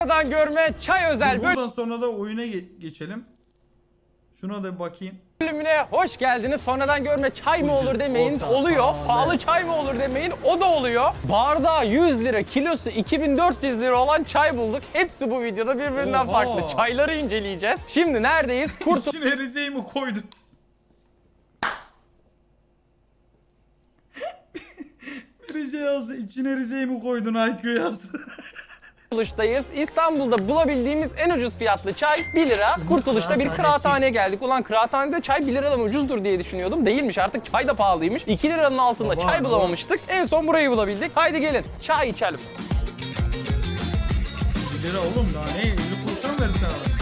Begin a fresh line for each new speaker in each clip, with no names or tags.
Sonradan görme çay özel
Buradan sonra da oyuna geçelim. Şuna da bir bakayım.
bölümüne hoş geldiniz. Sonradan görme çay mı olur
Ucuz,
demeyin,
orta,
oluyor.
pahalı.
Pahalı çay mı olur demeyin, o da oluyor. Bardağı 100 lira, kilosu 2400 lira olan çay bulduk. Hepsi bu videoda birbirinden
Oha.
farklı. Çayları inceleyeceğiz. Şimdi neredeyiz?
İçine Rize'yi mi koydun? Bir şey yazdı. İçine Rize'yi mi koydun IQ yazdı.
Kurtuluş'tayız. İstanbul'da bulabildiğimiz en ucuz fiyatlı çay 1 lira. Kurtuluş'ta bir kıraathaneye geldik. Ulan kıraathanede çay 1 liradan ucuzdur diye düşünüyordum. Değilmiş, artık çay da pahalıymış. 2 liranın altında
Baba,
çay bulamamıştık. En son burayı bulabildik. Haydi gelin çay içelim.
1 lira oğlum daha ne? 50 kuruşa mı versin abi?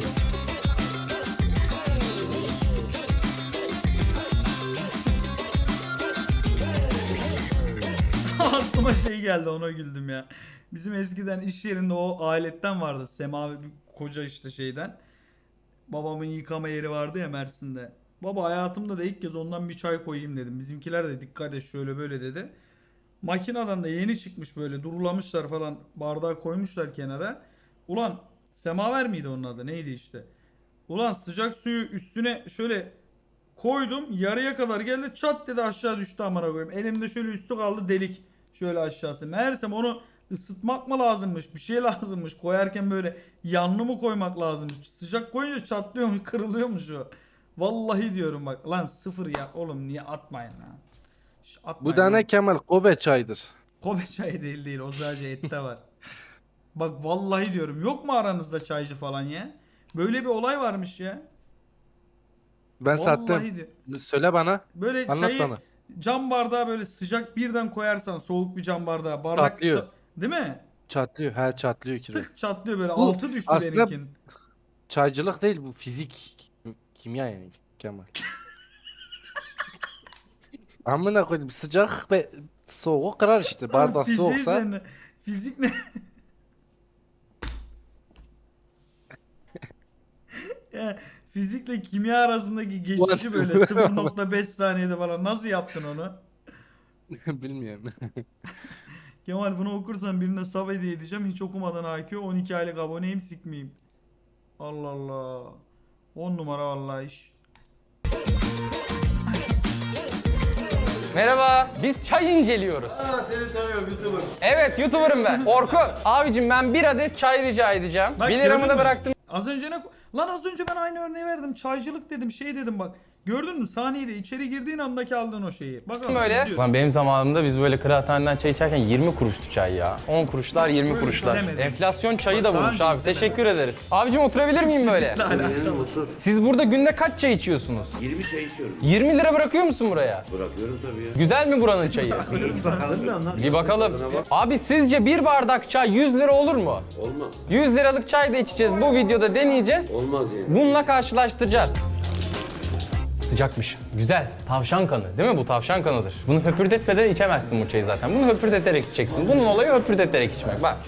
Aklıma şey geldi, ona güldüm ya. Bizim eskiden iş yerinde o aletten vardı. Semavi bir koca işte şeyden. Babamın yıkama yeri vardı ya Mersin'de. Baba hayatımda da ilk kez ondan bir çay koyayım dedim. Bizimkiler de dikkat et şöyle böyle dedi. Makineden de yeni çıkmış, böyle durulamışlar falan, bardağı koymuşlar kenara. Ulan semaver miydi onun adı, neydi işte. Ulan sıcak suyu üstüne şöyle koydum, yarıya kadar geldi, çat dedi aşağı düştü, amına koyayım. Elimde şöyle üstü kaldı delik, şöyle aşağısı. Meğersem onu ısıtmak mı lazımmış, bir şey lazımmış. Koyarken böyle yanlı mı koymak lazımmış. Sıcak koyunca çatlıyormuş, kırılıyormuş o. Vallahi diyorum bak lan, sıfır ya oğlum, niye atmayın lan. Atmayın
Bu da
lan.
ne Kemal? Kobe çaydır.
Kobe çayı değil o, sadece ette var. Bak vallahi diyorum, yok mu aranızda çaycı falan ya? Böyle bir olay varmış ya.
Ben sattım.
Vallahi diyor.
Söyle bana.
Böyle
Anlat
çayı
bana.
cam bardağa böyle sıcak birden koyarsan, soğuk bir cam bardağa, bardak
Çatlıyor.
değil mi?
Çatlıyor. He çatlıyor kirve.
Tık çatlıyor böyle,
Bu
altı düştü
aslında-
benimkinin.
Çaycılık değil bu, fizik. Kimya yani Kemal. Amına koydum, sıcak ve soğuk kırar işte. Bardak
Fiziği
soğuksa.
sen- Fizik ne? Ya, fizikle kimya arasındaki geçişi böyle 0.5 saniyede falan nasıl yaptın onu?
Bilmiyorum.
Kemal bunu okursan birine sub hediye edeceğim. Hiç okumadan IQ, 12 aylık aboneyim, sikmeyeyim. Allah Allah. 10 numara vallahi iş.
Merhaba, biz çay inceliyoruz.
Seni tanıyorum YouTuber.
Evet, YouTuber'ım ben. Orkun. Abicim ben bir adet çay rica edeceğim.
Bak,
1 liramı
gördün
da
mü?
bıraktım.
Az önce ne... Lan az önce ben aynı örneği verdim. Çaycılık dedim, şey dedim bak. Gördün mü? Saniyede içeri girdiğin andaki aldığın o şeyi. Bakalım
Böyle.
izliyoruz.
Lan benim zamanımda biz böyle kıraathaneden çay içerken 20 kuruştu çay ya. 10 kuruşlar, 20
Böyle
kuruşlar.
istemedim.
Enflasyon çayı da
Daha
vurmuş
önce
abi.
istemedim.
Teşekkür ederiz. Abicim oturabilir miyim böyle?
Sizle alakalı.
Otur.
Siz burada günde kaç çay içiyorsunuz?
20 çay içiyorum.
20 lira bırakıyor musun buraya?
Bırakıyorum tabii ya.
Güzel mi buranın çayı?
Bakalım mı onlar?
Bir bakalım. Abi sizce bir bardak çay 100 lira olur mu?
Olmaz.
100 liralık çay da içeceğiz. Bu videoda deneyeceğiz.
Olmaz yani.
Bununla karşılaştıracağız. Sıcakmış. Güzel. Tavşan kanı. Değil mi bu? Tavşan kanıdır. Bunu höpürdetmeden içemezsin bu çayı zaten. Bunu höpürdeterek içeceksin. Bunun olayı höpürdeterek içmek. Bak.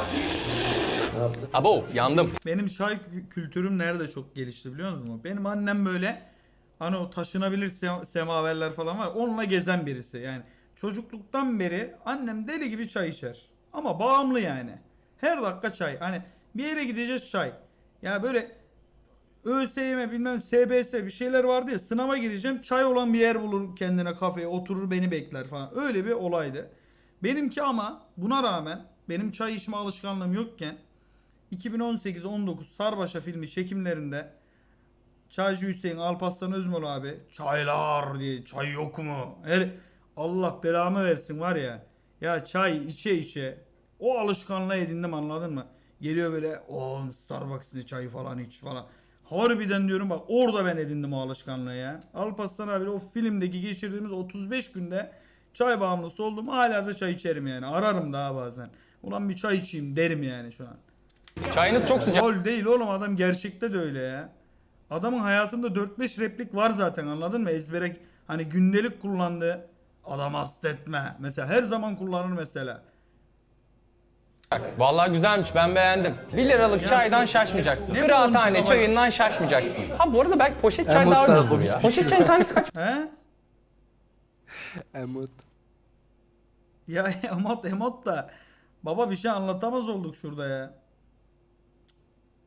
Abo yandım.
Benim çay kültürüm nerede çok gelişti biliyor musun? Benim annem böyle, hani o taşınabilir semaverler falan var. Onunla gezen birisi yani. Çocukluktan beri annem deli gibi çay içer. Ama bağımlı yani. Her dakika çay. Hani bir yere gideceğiz, çay. Ya böyle ÖSYM bilmem SBS bir şeyler vardı ya, sınava gireceğim, çay olan bir yer bulur kendine, kafeye oturur, beni bekler falan. Öyle bir olaydı. Benimki ama buna rağmen, benim çay içme alışkanlığım yokken 2018-19 Sarbaşa filmi çekimlerinde Çaycı Hüseyin, Alparslan Özmol abi çaylar diye, çay yok mu? Allah belamı versin var ya. Ya çay içe içe o alışkanlığı edindim, anladın mı? Geliyor böyle, o Starbucks'ın çayı falan iç falan. Harbiden diyorum bak, orada ben edindim o alışkanlığı ya. Alparslan abi o filmdeki geçirdiğimiz 35 günde çay bağımlısı oldum. Hala da çay içerim yani. Ararım daha bazen. Ulan bir çay içeyim derim yani şu an.
Çayınız çok sıcak.
Rol değil oğlum, adam gerçekte de öyle ya. Adamın hayatında 4-5 replik var zaten, anladın mı? Ezbere, hani gündelik kullandığı, adam hastetme. Mesela her zaman kullanır mesela.
Vallahi güzelmiş, ben beğendim. 1 liralık çaydan şaşmayacaksın.
Ne
Kıraathane
bulmuş
çayından şaşmayacaksın. Ha bu arada belki poşet çay daha
Emot'tan
ucuzdur ya.
komik.
Poşet çayın tanesi kaç?
He?
Emut.
Ya emot da. Baba bir şey anlatamaz olduk şurada ya.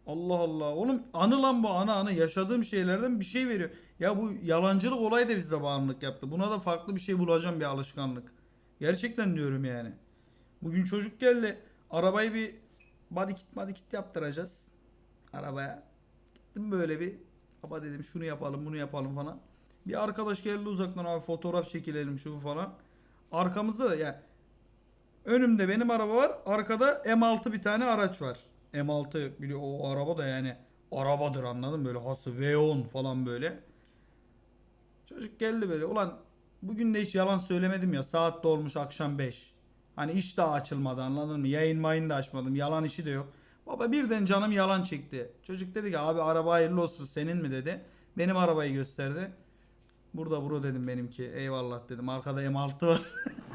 Allah Allah. Oğlum anı lan bu, anı yaşadığım şeylerden bir şey veriyor. Ya bu yalancılık olayı da bizde bağımlılık yaptı. Buna da farklı bir şey bulacağım, bir alışkanlık. Gerçekten diyorum yani. Bugün çocuk geldi. Arabayı bir body kit yaptıracağız. Arabaya. Gittim böyle bir. Baba dedim şunu yapalım bunu yapalım falan. Bir arkadaş geldi uzaktan, abi fotoğraf çekilelim şu falan. Arkamızda da yani önümde benim araba var. Arkada M6 bir tane araç var. M6 biliyor, o araba da yani arabadır, anladın mı? Böyle hası V10 falan böyle. Çocuk geldi böyle. Ulan bugün de hiç yalan söylemedim ya. Saat de olmuş akşam 5. Hani iş daha açılmadı, anladın mı? Yayın mayın da açmadım. Yalan işi de yok. Baba birden canım yalan çekti. Çocuk dedi ki abi araba hayırlı olsun, senin mi dedi. Benim arabayı gösterdi. Burada bro dedim benimki. Eyvallah dedim. Arkada M6 var.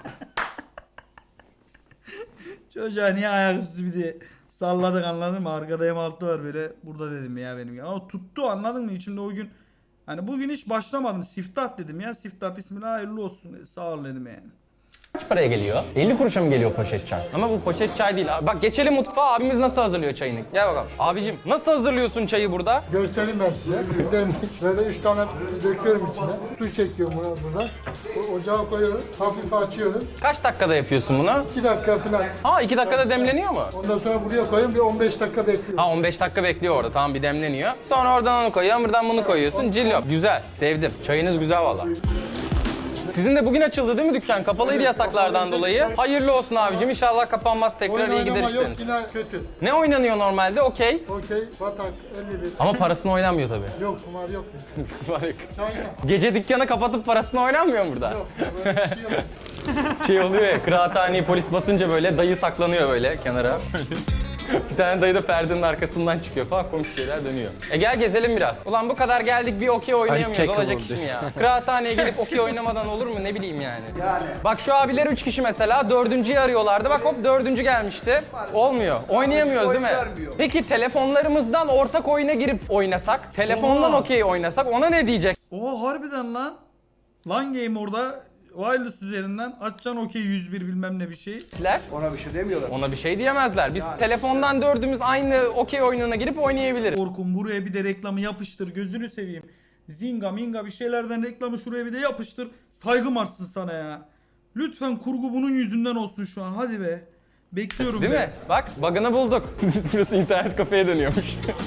Çocuğa niye ayaküstü bir de salladık, anladın mı? Arkada M6 var böyle. Burada dedim ya benim. Ama tuttu, anladın mı? İçimde o gün hani bugün hiç başlamadım. Siftah dedim ya. Siftah bismillah hayırlı olsun. Sağ ol dedim yani.
Kaç paraya geliyor? 50 kuruşa mı geliyor poşet çay? Ama bu poşet çay değil abi. Bak geçelim mutfağa, abimiz nasıl hazırlıyor çayını. Gel bakalım. Abicim nasıl hazırlıyorsun çayı burada?
Göstereyim ben size. Bir de şöyle 3 tane döküyorum içine. Su çekiyorum burada. Ocağa koyuyorum. Hafif açıyorum.
Kaç dakikada yapıyorsun bunu?
2 dakika falan.
Ha 2 dakikada demleniyor mu?
Ondan sonra buraya koyuyorum. Bir 15 dakika bekliyorum.
Ha 15 dakika bekliyor orada, tamam, bir demleniyor. Sonra oradan onu koyuyorsun, buradan bunu koyuyorsun. Cillop. Güzel. Sevdim. Çayınız güzel valla. Sizin de bugün açıldı değil mi dükkan? Kapalıydı yasaklardan dolayı. Hayırlı olsun abicim. İnşallah kapanmaz. Tekrar
Oyun
iyi gider
oynama yok,
işleriniz.
yine kötü.
Ne oynanıyor normalde? Okey.
Okey, batak, 51.
Ama parasını oynanmıyor tabii.
Yok, kumar yok. Çayla.
Gece dükkanı kapatıp parasını oynanmıyor mu burada?
Yok, böyle bir şey yok.
Şey oluyor ya, kıraathaneyi polis basınca böyle dayı saklanıyor böyle kenara. Bir tane dayı da perdenin arkasından çıkıyor falan, komik şeyler dönüyor. Gel gezelim biraz. Ulan bu kadar geldik bir okey oynayamıyoruz,
kek
olacak
oldu.
iş mi ya? Kıraathaneye gelip okey oynamadan olur mu, ne bileyim yani. Bak şu abiler 3 kişi mesela, dördüncüyü arıyorlardı. Bak hop dördüncü gelmişti. Olmuyor. Oynayamıyoruz değil mi? Peki telefonlarımızdan ortak oyuna girip oynasak, telefondan
Oha.
okey oynasak ona ne diyecek?
Oo harbiden lan. Lan game orada wireless üzerinden açacaksın okey 101 bilmem ne bir şey.
Ona bir şey demiyorlar.
Ona bir şey diyemezler. Biz telefondan dördümüz aynı okey oyununa girip oynayabiliriz.
Orkun buraya bir de reklamı yapıştır, gözünü seveyim. Zinga minga bir şeylerden reklamı şuraya bir de yapıştır. Saygım artsın sana ya. Lütfen kurgu bunun yüzünden olsun şu an, hadi be. Bekliyorum
Değil
be.
mi? Bak bug'ını bulduk. Burası internet kafeye dönüyormuş.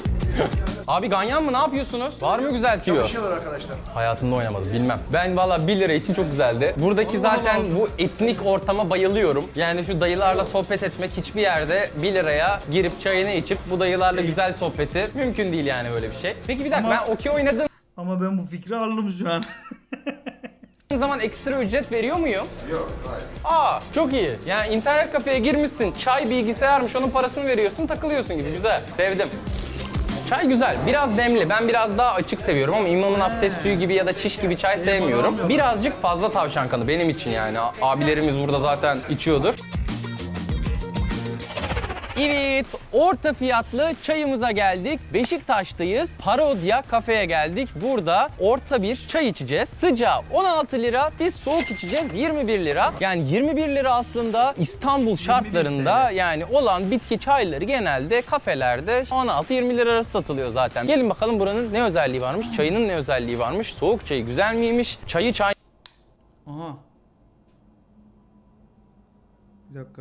Abi ganyan mı, ne yapıyorsunuz? Var mı güzel tüyo?
Çalışıyorlar arkadaşlar.
Hayatımda oynamadım, bilmem. Ben valla 1 lira için çok güzeldi. Buradaki
Allah
zaten
Allah.
bu etnik ortama bayılıyorum. Yani şu dayılarla sohbet etmek hiçbir yerde 1 liraya girip çayını içip bu dayılarla güzel sohbeti mümkün değil yani, böyle bir şey. Peki bir dakika,
Ama-
ben okey oynadığım
Ama ben bu fikri aldım şu an.
zaman ekstra ücret veriyor muyum?
Yok, hayır.
Aa çok iyi. Yani internet kafeye girmişsin, çay bilgisayarmış, onun parasını veriyorsun, takılıyorsun gibi, güzel. Sevdim. Çay güzel, biraz demli. Ben biraz daha açık seviyorum ama imamın abdest suyu gibi ya da çiş gibi çay sevmiyorum.
alamıyorum.
Birazcık fazla tavşan kanı benim için yani. Abilerimiz burada zaten içiyordur. Evet, orta fiyatlı çayımıza geldik. Beşiktaş'tayız. Parodya kafeye geldik. Burada orta bir çay içeceğiz. Sıcağı 16 lira, biz soğuk içeceğiz 21 lira. Yani 21 lira aslında İstanbul şartlarında yani olan bitki çayları genelde kafelerde 16-20 lira arası satılıyor zaten. Gelin bakalım buranın ne özelliği varmış, çayının ne özelliği varmış, soğuk çayı güzel miymiş, çayı çay...
Aha. Bir dakika.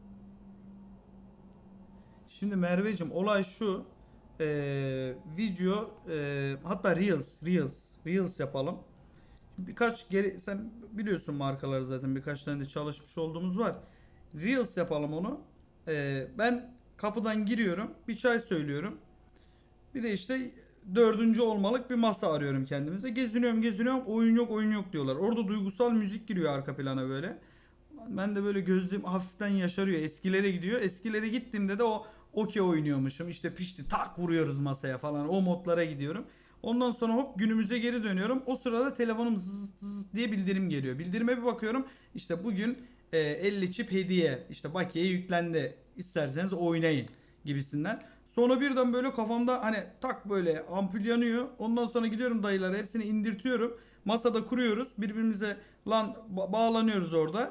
Şimdi Merveciğim olay şu. Video hatta Reels yapalım. Birkaç geri, sen biliyorsun markaları zaten, birkaç tane de çalışmış olduğumuz var. Reels yapalım onu. Ben kapıdan giriyorum, bir çay söylüyorum. Bir de işte dördüncü olmalık bir masa arıyorum kendimize. Geziniyorum, oyun yok diyorlar. Orada duygusal müzik giriyor arka plana böyle. Ben de böyle gözlerim hafiften yaşarıyor. Eskilere gidiyor. Eskilere gittiğimde de o okey oynuyormuşum. İşte pişti tak vuruyoruz masaya falan. O modlara gidiyorum. Ondan sonra hop günümüze geri dönüyorum. O sırada telefonum zız diye bildirim geliyor. Bildirime bir bakıyorum. İşte bugün 50 çip hediye. İşte bakiye yüklendi. İsterseniz oynayın gibisinden. Sonra birden böyle kafamda hani tak böyle ampul yanıyor. Ondan sonra gidiyorum dayılara, hepsini indirtiyorum. Masada kuruyoruz. Birbirimize bağlanıyoruz orada.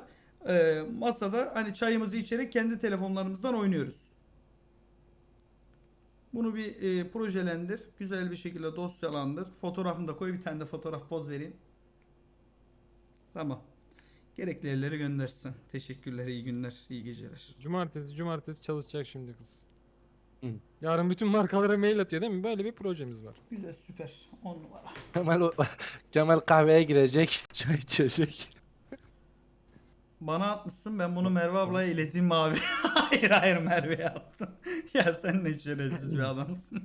Masada hani çayımızı içerek kendi telefonlarımızdan oynuyoruz. Bunu bir projelendir. Güzel bir şekilde dosyalandır. Fotoğrafını da koy. Bir tane de fotoğraf poz vereyim. Tamam. Gerekli yerlere göndersin. Teşekkürler, iyi günler, iyi geceler.
Cumartesi çalışacak şimdi kız.
Hı.
Yarın bütün markalara mail atıyor değil mi? Böyle bir projemiz var.
Güzel, süper. 10 numara.
Kemal kahveye girecek, çay içecek.
Bana atmışsın, ben bunu Merve ablaya ileteyim mi abi? Hayır Merve'ye attım. Ya sen ne şerefsiz bir adamsın.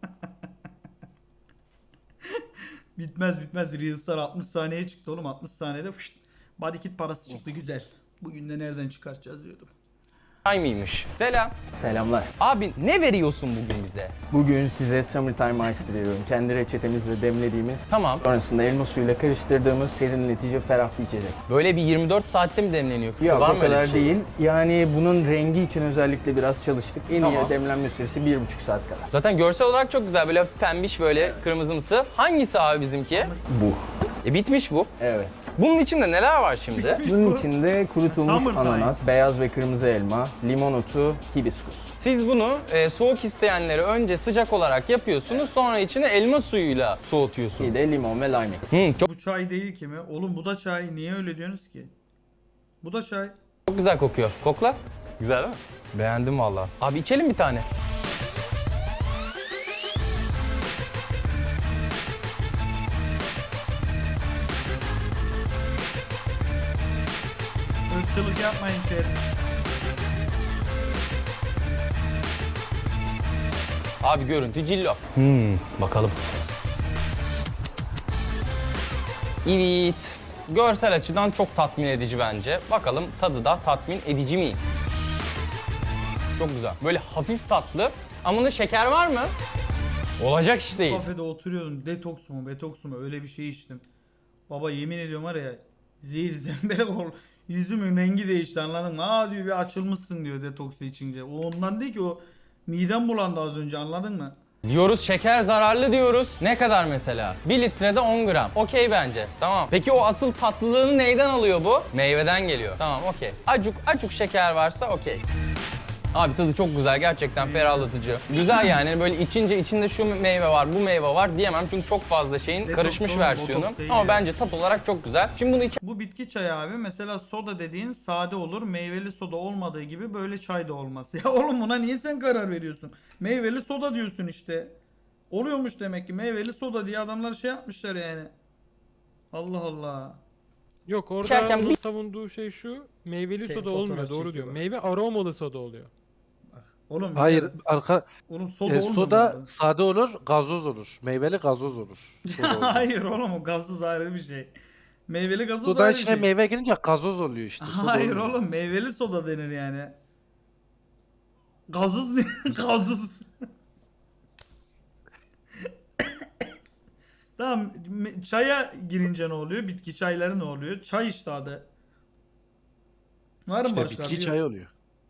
bitmez. Reels'lar 60 saniye çıktı oğlum. 60 saniyede fışt. Body kit parası çıktı, güzel. Bugün de nereden çıkartacağız diyordum.
Çay mıymış? Selam.
Selamlar.
Abi ne veriyorsun bugün bize?
Bugün size Summertime Ice veriyorum. Kendi reçetemizle demlediğimiz,
Tamam.
sonrasında elma suyuyla karıştırdığımız serinletici, ferah bir içecek.
Böyle bir 24 saatte mi demleniyor?
Yok
Var
o
mı öyle bir
kadar
şey?
değil. Yani bunun rengi için özellikle biraz çalıştık. En
Tamam.
iyi demlenme süresi 1,5 saat kadar.
Zaten görsel olarak çok güzel. Böyle hafif pembiş, böyle kırmızımsı. Hangisi abi bizimki?
Bu.
Bitmiş bu.
Evet.
Bunun içinde neler var şimdi?
Bunun içinde kurutulmuş
Summertime.
ananas, beyaz ve kırmızı elma, limon otu, hibiskus.
Siz bunu soğuk isteyenleri önce sıcak olarak yapıyorsunuz. Sonra içine elma suyuyla soğutuyorsunuz.
Bir de limon ve lime.
Çok
Bu çay değil ki mi? Oğlum bu da çay. Niye öyle diyorsunuz ki? Bu da çay.
güzel kokuyor. Kokla. Güzel değil mi? Beğendim valla. Abi içelim bir tane.
Irkçılık yapmayın chat.
Abi görüntü cillo. Bakalım. Evet. Görsel açıdan çok tatmin edici bence. Bakalım tadı da tatmin edici mi? Çok güzel. Böyle hafif tatlı. Ama bunda şeker var mı? Olacak iş değil.
Kafede oturuyordum. Detoks mu, betoks mu öyle bir şey içtim. Baba yemin ediyorum var ya, zehir zemberek ol. Yüzümün rengi değişti, anladın mı? Aa diyor, bir açılmışsın diyor detoksu içince. O ondan değil ki, o midem bulandı az önce, anladın mı?
Diyoruz şeker zararlı diyoruz. Ne kadar mesela? 1 litrede 10 gram. Okey bence. Tamam. Peki o asıl tatlılığını neyden alıyor bu? Meyveden geliyor. Tamam okey. Acuk şeker varsa okey. Abi tadı çok güzel, gerçekten ferahlatıcı. Güzel yani, böyle içince içinde şu meyve var, bu meyve var diyemem çünkü çok fazla şeyin
Detoks
karışmış
oğlum,
versiyonu.
botoks değil
Ama
ya.
bence tat olarak çok güzel. Şimdi bunu
Bu bitki çayı abi, mesela soda dediğin sade olur, meyveli soda olmadığı gibi böyle çay da olmaz. Ya oğlum buna niye sen karar veriyorsun? Meyveli soda diyorsun işte. Oluyormuş demek ki, meyveli soda diye adamlar şey yapmışlar yani. Allah Allah.
Yok orada
İçerken
onun
bir-
savunduğu şey şu. Meyveli
Şey,
soda
fotoğraf
olmuyor, doğru diyor.
çekiyorlar.
Meyve aromalı soda oluyor.
Oğlum
Hayır,
ya, oğlum soda olmuyor
soda
mu?
sade olur, gazoz olur. Meyveli gazoz olur. Soda olmaz.
Hayır oğlum, o gazsız ayrı bir şey. Meyveli gazoz
Soda
ayrı bir
içine
şey.
meyve girince gazoz oluyor işte. soda
Hayır
olmuyor.
oğlum, meyveli soda denir yani. Gazoz ne? Gazoz. Tamam, çaya girince ne oluyor? Bitki çayları ne oluyor? Çay işte adı. Var mı
İşte
başka?
bitki çayı oluyor.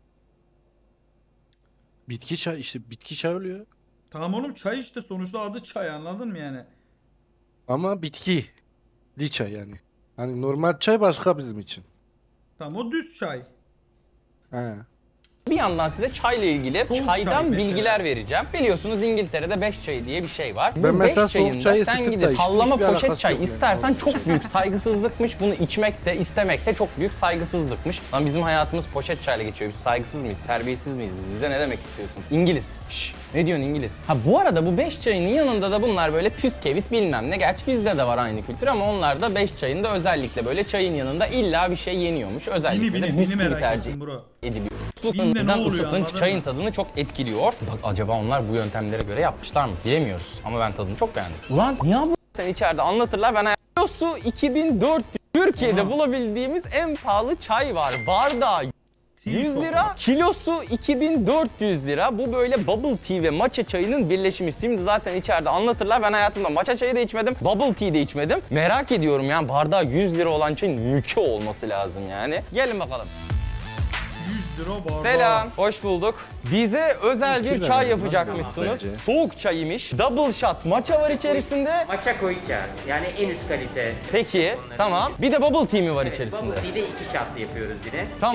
Bitki çay işte bitki çay oluyor.
Tamam oğlum, çay işte sonuçta adı çay, anladın mı yani?
Ama bitki. Li çay yani. Hani normal çay başka bizim için.
Tamam, o düz çay.
He.
bir yandan size çayla ilgili
Soğuk
çaydan
çay mesela.
bilgiler vereceğim. Biliyorsunuz İngiltere'de 5 çayı diye bir şey var.
Ben mesela
beş
soğuk
çayında
çayı
sen
ısıtıp
gidip
da içtim,
sallama
hiçbir
poşet
alakası
çay
yok yani.
istersen çok büyük saygısızlıkmış. Bunu içmek de istemek de çok büyük saygısızlıkmış. Lan bizim hayatımız poşet çayla geçiyor. Biz saygısız mıyız? Terbiyesiz miyiz biz? Bize ne demek istiyorsun? İngiliz. Şşş. Ne diyorsun İngiliz? Ha bu arada bu 5 çayının yanında da bunlar böyle püskevit bilmem ne. Gerçi bizde de var aynı kültür ama onlar da 5 çayında özellikle böyle çayın yanında illa bir şey yeniyormuş. Özellikle de
Bini
bisküvi
merak
tercih
ettim bro.
ediliyor.
Binde ne
Islığından
oluyor,
ısıtınç
anladın
çayın
mı?
tadını çok etkiliyor. Bak acaba onlar bu yöntemlere göre yapmışlar mı? Bilemiyoruz ama ben tadını çok beğendim. Ulan ya bu içeride anlatırlar, ben kilosu 2400. Türkiye'de bulabildiğimiz en pahalı çay var. Bardağı 100 lira, kilosu 2400 lira. Bu böyle bubble tea ve matcha çayının birleşimi. Şimdi zaten içeride anlatırlar. Ben hayatımda matcha çayı da içmedim, bubble tea de içmedim. Merak ediyorum yani, bardağı 100 lira olan çayın mülkü olması lazım yani. Gelin bakalım.
100 lira bardağı.
Selam, hoş bulduk. Bize özel bir
Fikir
çay
verelim
yapacakmışsınız.
bence.
Soğuk çayıymış. Double shot matcha var içerisinde.
Matcha koicha yani en üst kalite.
Peki,
Onların
tamam.
en-
Bir de bubble tea mi var
Evet,
içerisinde?
Bubble tea'de 2 shotlı yapıyoruz yine.
Tamam.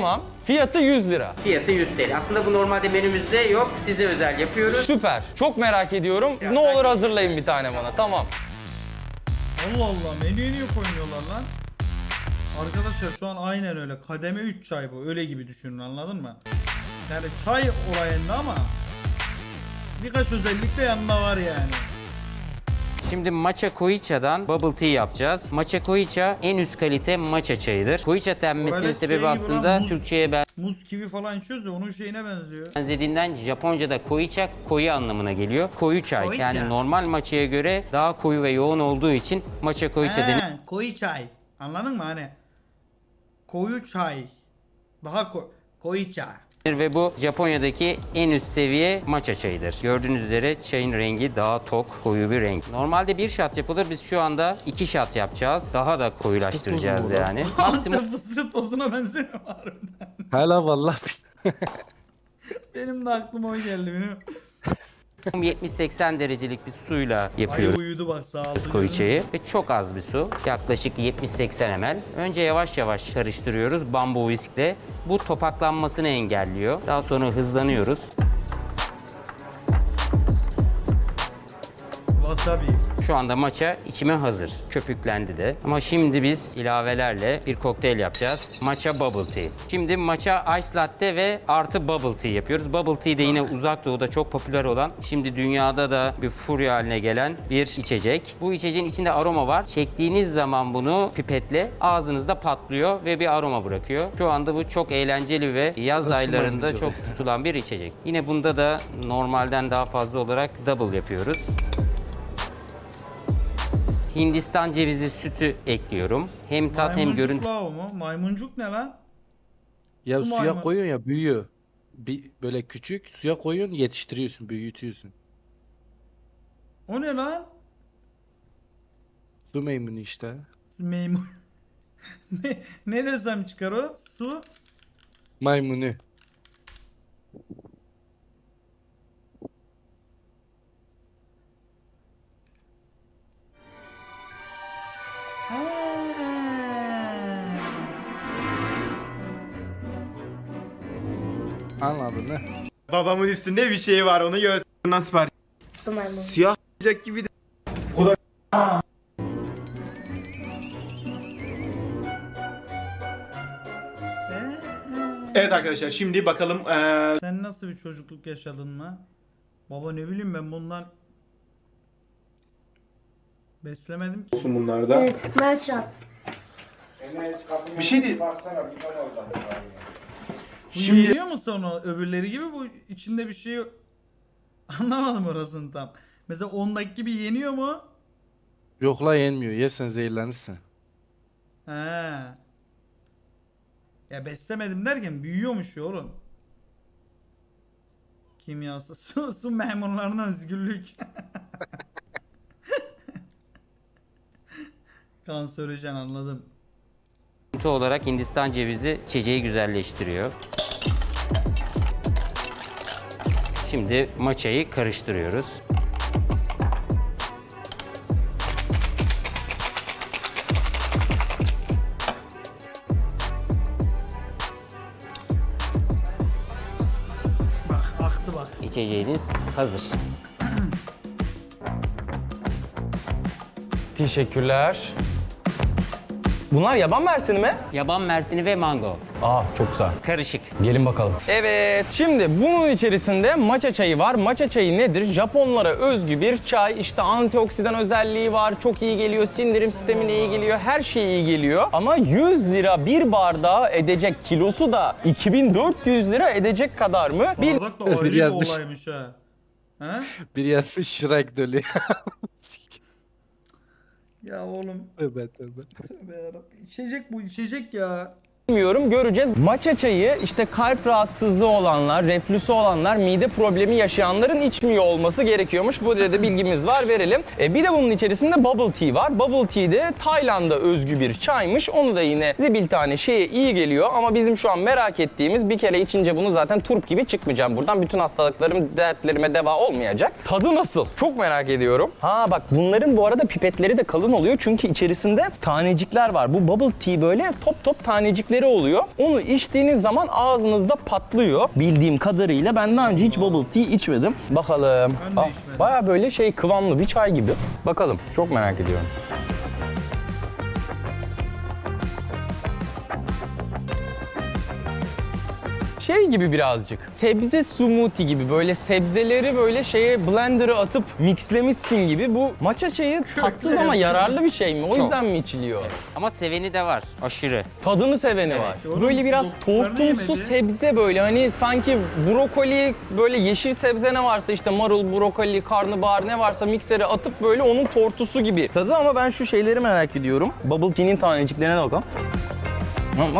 Fiyatı 100 lira.
Fiyatı 100 TL. Aslında bu normalde menümüzde yok. Size özel yapıyoruz.
Süper. Çok merak ediyorum.
Biraz
Ne
daha
olur hazırlayın bir tane bana. Tamam.
Allah Allah, menüye niye koymuyorlar lan? Arkadaşlar şu an aynen öyle. Kademe 3 çay bu. Öyle gibi düşünün, anladın mı? Yani çay olayında ama birkaç özellik de yanında var yani.
Şimdi matcha koicha'dan bubble tea yapacağız. Matcha koicha en üst kalite matcha çayıdır. Koicha denmesinin
Böyle
sebebi
şey gibi
aslında
lan, muz.
Türkçe'ye
Muz kivi falan içiyoruz ya, onun şeyine benziyor.
benzediğinden Japonca'da koicha koyu anlamına geliyor. Koyu çay.
Koicha.
Yani normal matcha'ya göre daha koyu ve yoğun olduğu için matcha koicha deniyor.
Koyu çay. Anladın mı hani? Koyu çay. Daha koyu çay.
Ve bu Japonya'daki en üst seviye matcha çayıdır. Gördüğünüz üzere çayın rengi daha tok, koyu bir renk. Normalde bir shot yapılır. Biz şu anda 2 shot yapacağız. Daha da koyulaştıracağız
Fıstık tozu mu
yani. Maksimum
Antep fıstığı tozuna benziyor harbiden.
Hala vallahi
Benim de aklıma o geldi benim.
70-80 derecelik bir suyla
Ay
yapıyoruz
uyudu bak, sağ olsun.
koicha'yı ve çok az bir su. Yaklaşık 70-80 ml. Önce yavaş yavaş karıştırıyoruz bambu viskle. Bu topaklanmasını engelliyor. Daha sonra hızlanıyoruz.
Wasabi.
Şu anda matcha içime hazır. Köpüklendi de. Ama şimdi biz ilavelerle bir kokteyl yapacağız. Matcha bubble tea. Şimdi matcha ice latte ve artı bubble tea yapıyoruz. Bubble tea de yine uzak doğuda çok popüler olan, şimdi dünyada da bir furya haline gelen bir içecek. Bu içeceğin içinde aroma var. Çektiğiniz zaman bunu pipetle ağzınızda patlıyor ve bir aroma bırakıyor. Şu anda bu çok eğlenceli ve yaz
Nasıl
aylarında
maymuncu
çok tutulan bir içecek. Yine bunda da normalden daha fazla olarak double yapıyoruz. Hindistan cevizi sütü ekliyorum. Hem tat hem
Maymuncuk
görüntü
la o mu? Maymuncuk ne lan?
ya
Su
suya
maymun.
koyuyorsun ya büyüyor. Böyle küçük suya koyuyorsun, yetiştiriyorsun, büyütüyorsun.
O ne lan?
Su meymunu işte.
Meymun. ne desem çıkar o? Su.
Maymunu. Anladın mı?
Babamın üstünde bir şey var, onu göster. Nasıl var?
Su maymunu.
Siyah olacak gibi de. Evet arkadaşlar, şimdi bakalım
Sen nasıl bir çocukluk yaşadın lan? Baba ne bileyim ben bundan beslemedim ki.
bunlarda.
Evet, Mertcan.
Bir şey değil.
Şimdi yeniyor mu sonra öbürleri gibi, bu içinde bir şey yok. Anlamadım orasını tam. Mesela 10'daki gibi yeniyor mu?
Yok la yenmiyor. Yersen zehirlenirsin.
He. Ya beslemedim derken büyüyormuş ya oğlum. Kimyası. Su memurlarına özgürlük. Kanserojen, anladım.
olarak Hindistan cevizi içeceği güzelleştiriyor. Şimdi matcha'yı karıştırıyoruz.
Bak aktı bak.
İçeceğiniz hazır.
Teşekkürler. Bunlar yaban mersini mi?
Yaban mersini ve mango.
Aa çok güzel.
Karışık.
Gelin bakalım. Evet, şimdi bunun içerisinde matcha çayı var. Matcha çayı nedir? Japonlara özgü bir çay. İşte antioksidan özelliği var. Çok iyi geliyor. Sindirim sistemine iyi geliyor. Her şeye iyi geliyor. Ama 100 lira bir bardağı edecek, kilosu da 2400 lira edecek kadar mı? Bir
Bardak da ayrı bir
yazmış.
olaymış ha. He?
Biri yazmış Shrek dölü.
Ya oğlum.
Tövbe tövbe.
Tövbe yarabbim. İçecek bu, içecek ya.
bilmiyorum, göreceğiz. Matcha çayı işte kalp rahatsızlığı olanlar, reflüsü olanlar, mide problemi yaşayanların içmiyor olması gerekiyormuş. Bu da bilgimiz var, verelim. Bir de bunun içerisinde bubble tea var. Bubble tea de Tayland'a özgü bir çaymış. Onu da yine zibil tane şeye iyi geliyor ama bizim şu an merak ettiğimiz, bir kere içince bunu zaten turp gibi çıkmayacağım buradan. Bütün hastalıklarım, dertlerime deva olmayacak. Tadı nasıl? Çok merak ediyorum. Ha bak, bunların bu arada pipetleri de kalın oluyor çünkü içerisinde tanecikler var. Bu bubble tea böyle top top tanecikleri mixleri oluyor. Onu içtiğiniz zaman ağzınızda patlıyor. Bildiğim kadarıyla ben daha önce hiç bubble tea içmedim. Bakalım.
Ben de içmedim.
Baya böyle şey kıvamlı bir çay gibi. Bakalım. Çok merak ediyorum. Şey gibi birazcık. Sebze smoothie gibi böyle sebzeleri böyle şeye blender'a atıp mixlemişsin gibi. Bu matcha çayı tatsız ama yararlı bir şey mi? O yüzden mi içiliyor?
Ama seveni de var. Aşırı.
Tadını seveni var.
Oğlum,
Böyle biraz
doktorlar
tortumsu
yemedi.
sebze böyle hani sanki brokoli böyle yeşil sebze ne varsa işte marul, brokoli, karnabahar ne varsa miksere atıp böyle onun tortusu gibi tadı ama ben şu şeyleri merak ediyorum. Bubble tea'nin taneciklerine de bakalım. Bak.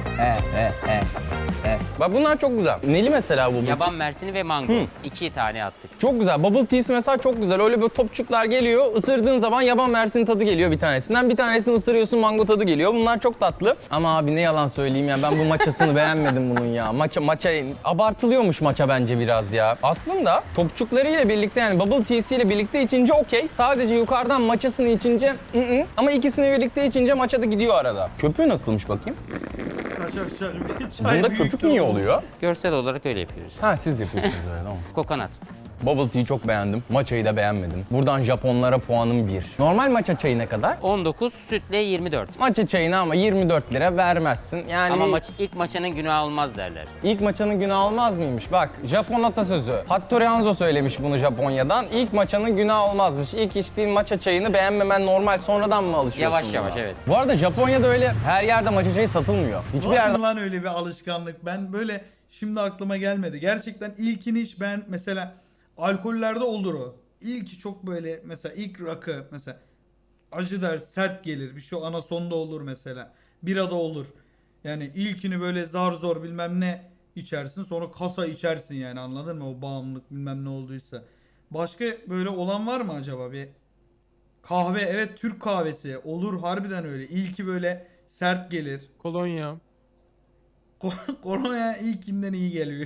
Bak bunlar çok güzel. Neli mesela bu bubble tea?
Yaban mersini ve mango. 2 tane attık.
Çok güzel. Bubble tea'si mesela çok güzel. Öyle böyle topçuklar geliyor. Isırdığın zaman yaban mersini tadı geliyor bir tanesinden. Bir tanesini ısırıyorsun mango tadı geliyor. Bunlar çok tatlı. Ama abi ne yalan söyleyeyim ya. Ben bu matchasını beğenmedim bunun ya. Matcha abartılıyormuş matcha bence biraz ya. Aslında topçuklarıyla birlikte yani bubble tea'siyle birlikte içince okey. Sadece yukarıdan matchasını içince ama ikisini birlikte içince matcha da gidiyor arada. Köpüğü nasılmış bakayım?
Kaçakçak bir çay
Bunda
büyüktür
köpük niye
oğlum.
oluyor?
Görsel olarak öyle yapıyoruz.
Ha siz yapıyorsunuz öyle tamam.
Kokonat.
Bubble tea'yi çok beğendim. Matcha'yı da beğenmedim. Buradan Japonlara puanım 1. Normal matcha çayı ne kadar?
19, sütle 24.
Matcha çayına ama 24 lira vermezsin. Yani
Ama ilk maçanın günahı olmaz derler.
ilk maçanın günahı olmaz mıymış? Bak Japon atasözü. Hattori Hanzo söylemiş bunu Japonya'dan. İlk maçanın günahı olmazmış. İlk içtiğin matcha çayını beğenmemen normal. Sonradan mı alışıyorsun
Yavaş yavaş,
buna?
evet.
Bu arada Japonya'da öyle her yerde matcha çayı satılmıyor. Hiçbir
Var
yerde
mı lan öyle bir alışkanlık? Ben böyle şimdi aklıma gelmedi. Gerçekten ilkini hiç ben mesela alkollerde olur o. İlki çok böyle mesela ilk rakı mesela acı der sert gelir. Bir şey anasonda olur mesela. Birada olur. Yani ilkini böyle zar zor bilmem ne içersin sonra kasa içersin yani anladın mı? O bağımlılık bilmem ne olduysa. Başka böyle olan var mı acaba bir kahve evet Türk kahvesi olur harbiden öyle. İlki böyle sert gelir.
Kolonya.
Kolonya ilkinden iyi geliyor.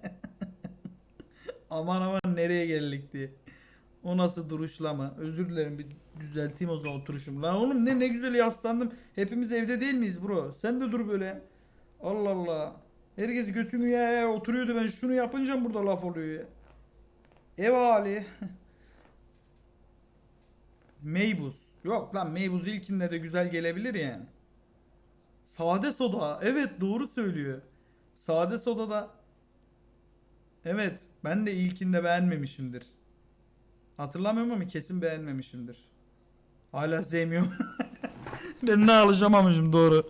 Aman aman nereye geldik diye. O nasıl duruşlama? Özür dilerim bir düzelteyim o zaman oturuşum. Lan oğlum ne güzel yaslandım. Hepimiz evde değil miyiz bro? Sen de dur böyle. Allah Allah. Herkes götünü ya oturuyordu ben şunu yapınca burada laf oluyor ya. Ev hali. Meybuz. Yok lan meybuz ilkinde de güzel gelebilir yani. Sade soda. Evet doğru söylüyor. Sade soda da evet ben de ilkinde beğenmemişimdir. Hatırlamıyorum ama kesin beğenmemişimdir. Hala sevmiyorum. Ben ne alışamamışım doğru.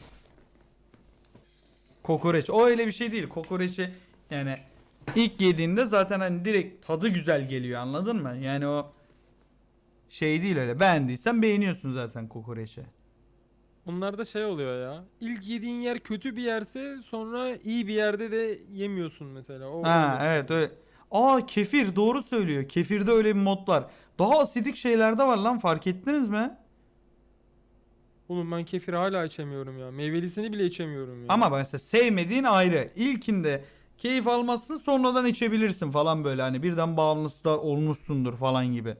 Kokoreç. O öyle bir şey değil. Kokoreçi yani ilk yediğinde zaten hani direkt tadı güzel geliyor anladın mı? Yani o şey değil öyle. Beğendiysen beğeniyorsun zaten kokoreçi.
Onlarda şey oluyor ya. İlk yediğin yer kötü bir yerse sonra iyi bir yerde de yemiyorsun mesela. O
Ha
öyle.
evet öyle. Aa kefir doğru söylüyor. Kefirde öyle bir mod var. Daha asidik şeyler de var lan fark ettiniz mi?
Oğlum ben kefir hala içemiyorum ya. Meyvelisini bile içemiyorum ya.
Ama mesela sevmediğin ayrı. İlkinde keyif almazsın sonradan içebilirsin falan böyle hani birden bağımlısı da olmuşsundur falan gibi.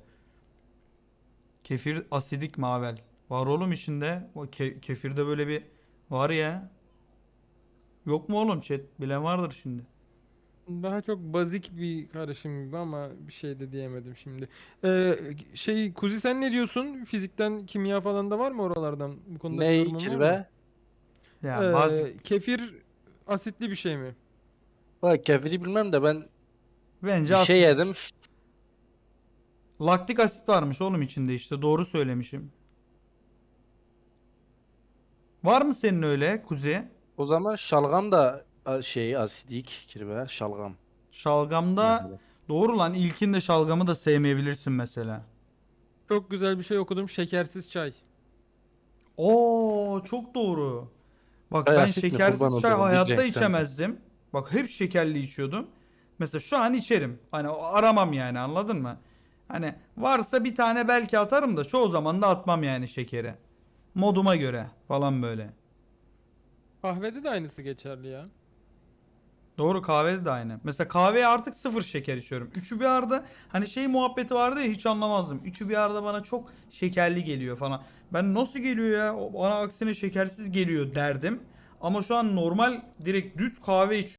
Kefir asidik mavel. Var oğlum içinde. O kefirde böyle bir var ya. Yok mu oğlum chat? Bilen vardır şimdi.
Daha çok bazik bir karışım gibi ama bir şey de diyemedim şimdi. Kuzi sen ne diyorsun? Fizikten, kimya falan da var mı oralardan? Bu konuda bir
Ne
yorumun var mı?
kirve?
Ya bazı
Kefir asitli bir şey mi?
Bak kefiri bilmem de ben
bence
bir şey yedim.
laktik asit varmış oğlum içinde işte doğru söylemişim. Var mı senin öyle Kuzi?
O zaman şalgam da şey asidik kirve şalgam.
Şalgamda
Mesela.
doğru lan ilkinde şalgamı da sevmeyebilirsin mesela.
Çok güzel bir şey okudum. Şekersiz çay.
Oo çok doğru. Bak
Çay
ben
asit mi?
şekersiz
Kurban
çay
olurum,
hayatta
diyeceksin.
içemezdim. Bak hep şekerli içiyordum. Mesela şu an içerim. Hani aramam yani anladın mı? Hani varsa bir tane belki atarım da çoğu zaman da atmam yani şekeri. Moduma göre falan böyle.
Kahvede de aynısı geçerli ya.
Doğru kahvede de aynı. Mesela kahveye artık 0 şeker içiyorum. Üçü bir arada hani şey muhabbeti vardı ya hiç anlamazdım. Üçü bir arada bana çok şekerli geliyor falan. Ben nasıl geliyor ya? O bana aksine şekersiz geliyor derdim. Ama şu an normal direkt düz kahve içiyorum.